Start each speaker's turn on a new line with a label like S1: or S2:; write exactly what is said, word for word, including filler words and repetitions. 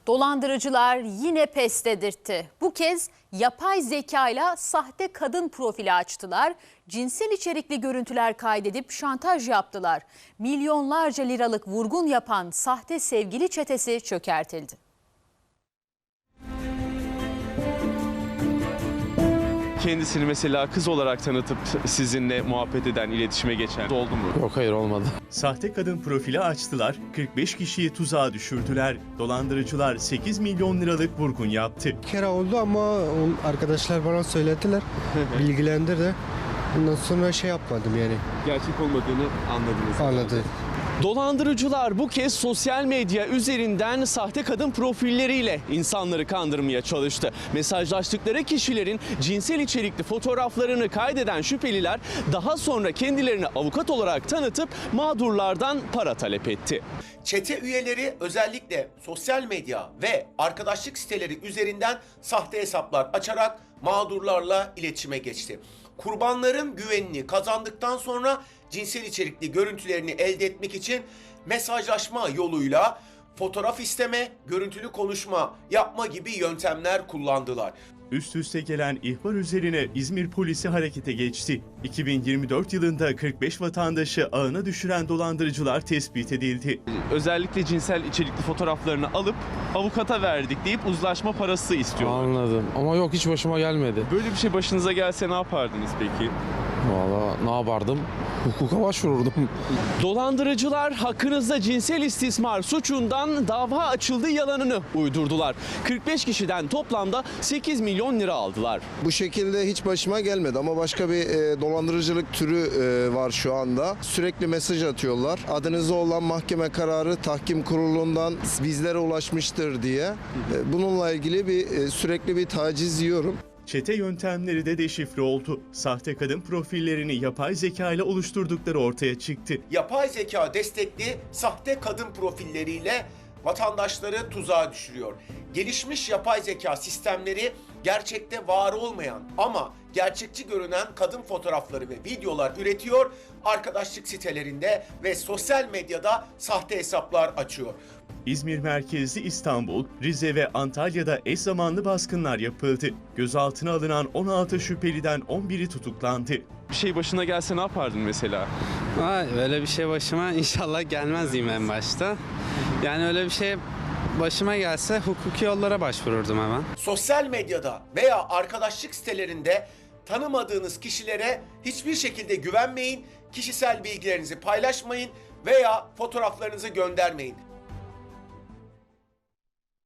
S1: Dolandırıcılar yine pes dedirtti. Bu kez yapay zekayla sahte kadın profili açtılar. Cinsel içerikli görüntüler kaydedip şantaj yaptılar. Milyonlarca liralık vurgun yapan sahte sevgili çetesi çökertildi.
S2: Kendisini mesela kız olarak tanıtıp sizinle muhabbet eden, iletişime geçen oldu mu?
S3: Yok, hayır, olmadı.
S4: Sahte kadın profili açtılar, kırk beş kişiyi tuzağa düşürdüler. Dolandırıcılar sekiz milyon liralık vurgun yaptı.
S5: Bir kere oldu ama arkadaşlar bana söylediler, bilgilendirdi. Ondan sonra şey yapmadım yani.
S2: Gerçek olmadığını anladınız.
S5: Anladım.
S2: Dolandırıcılar bu kez sosyal medya üzerinden sahte kadın profilleriyle insanları kandırmaya çalıştı. Mesajlaştıkları kişilerin cinsel içerikli fotoğraflarını kaydeden şüpheliler daha sonra kendilerini avukat olarak tanıtıp mağdurlardan para talep etti.
S6: Çete üyeleri özellikle sosyal medya ve arkadaşlık siteleri üzerinden sahte hesaplar açarak mağdurlarla iletişime geçti. Kurbanların güvenini kazandıktan sonra cinsel içerikli görüntülerini elde etmek için mesajlaşma yoluyla fotoğraf isteme, görüntülü konuşma yapma gibi yöntemler kullandılar.
S4: Üst üste gelen ihbar üzerine İzmir polisi harekete geçti. iki bin yirmi dört yılında kırk beş vatandaşı ağına düşüren dolandırıcılar tespit edildi.
S2: Özellikle cinsel içerikli fotoğraflarını alıp avukata verdik deyip uzlaşma parası istiyorlar.
S3: Anladım ama yok, hiç başıma gelmedi.
S2: Böyle bir şey başınıza gelse ne yapardınız peki?
S3: Vallahi ne yapardım? Hukuka başvururdum.
S2: Dolandırıcılar hakkınızda cinsel istismar suçundan dava açıldığı yalanını uydurdular. kırk beş kişiden toplamda sekiz milyon lira aldılar.
S7: Bu şekilde hiç başıma gelmedi ama başka bir e, dolandırıcılık türü e, var şu anda. Sürekli mesaj atıyorlar. Adınızda olan mahkeme kararı tahkim kurulundan bizlere ulaşmıştır diye. E, bununla ilgili bir e, sürekli bir taciz yiyorum.
S4: Çete yöntemleri de deşifre oldu. Sahte kadın profillerini yapay zeka ile oluşturdukları ortaya çıktı.
S6: Yapay zeka destekli sahte kadın profilleriyle vatandaşları tuzağa düşürüyor. Gelişmiş yapay zeka sistemleri gerçekte var olmayan ama gerçekçi görünen kadın fotoğrafları ve videolar üretiyor, arkadaşlık sitelerinde ve sosyal medyada sahte hesaplar açıyor.
S4: İzmir merkezli İstanbul, Rize ve Antalya'da eş zamanlı baskınlar yapıldı. Gözaltına alınan on altı şüpheliden on biri tutuklandı.
S2: Bir şey başına gelse ne yapardın mesela?
S8: Ay, öyle bir şey başıma inşallah gelmez diyeyim en başta. Yani öyle bir şey başıma gelse hukuki yollara başvururdum hemen.
S6: Sosyal medyada veya arkadaşlık sitelerinde tanımadığınız kişilere hiçbir şekilde güvenmeyin, kişisel bilgilerinizi paylaşmayın veya fotoğraflarınızı göndermeyin.